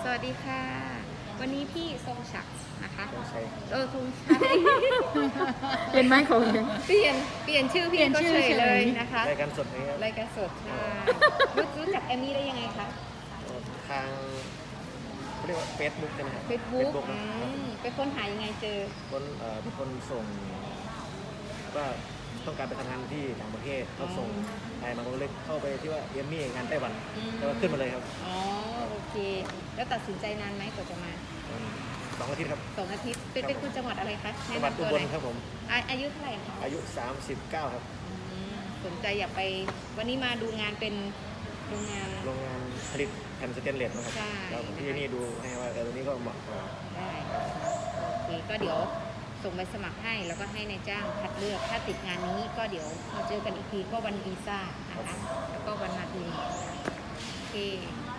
วัสดีค่ะ วันนี้พี่ทรงศักดิ์นะคะทรงชัยทรงชัยเปลี่ยนไหมของยังเปลี่ยนชื่อพี่ก็เฉยเลยนะคะรายการสดนี้ครับรายการสดค่ะรู้จักแอมมี่ได้ยังไงคะทางเขาเรียกว่าเฟซบุ๊กใช่ไหมครับเฟซบุ๊กนะครับไปค้นหายังไงเจอมีคนส่งว่าต้องการไปทำงานที่ต่างประเทศเขาส่งไลน์มาก็เลยเข้าไปที่ว่าเอมมี่งานไต้หวันแต่ว่าขึ้นมาเลยครับอ๋อโอเค แล้วตัดสินใจนานไหมกว่าจะมา 2 อาทิตย์ครับ 2 อาทิตย์เป็นคนจังหวัดอะไรคะจังหวัดอุบลครับผมอายุเท่าไหร่คะอายุ 39 ครับสนใจอยากไปวันนี้มาดูงานเป็นโรงงานโรงงานผลิตแผ่นสแตนเลสนะครับใช่แล้วที่นี่ดูให้ว่าตัวนี้ก็เหมาะกว่าได้โอเคก็เดี๋ยวส่งใบสมัครให้แล้วก็ให้นายจ้างคัดเลือกถ้าติดงานนี้ก็เดี๋ยวมาเจอกันอีกทีก็วันวีซ่านะคะแล้วก็วันมาดูโอเค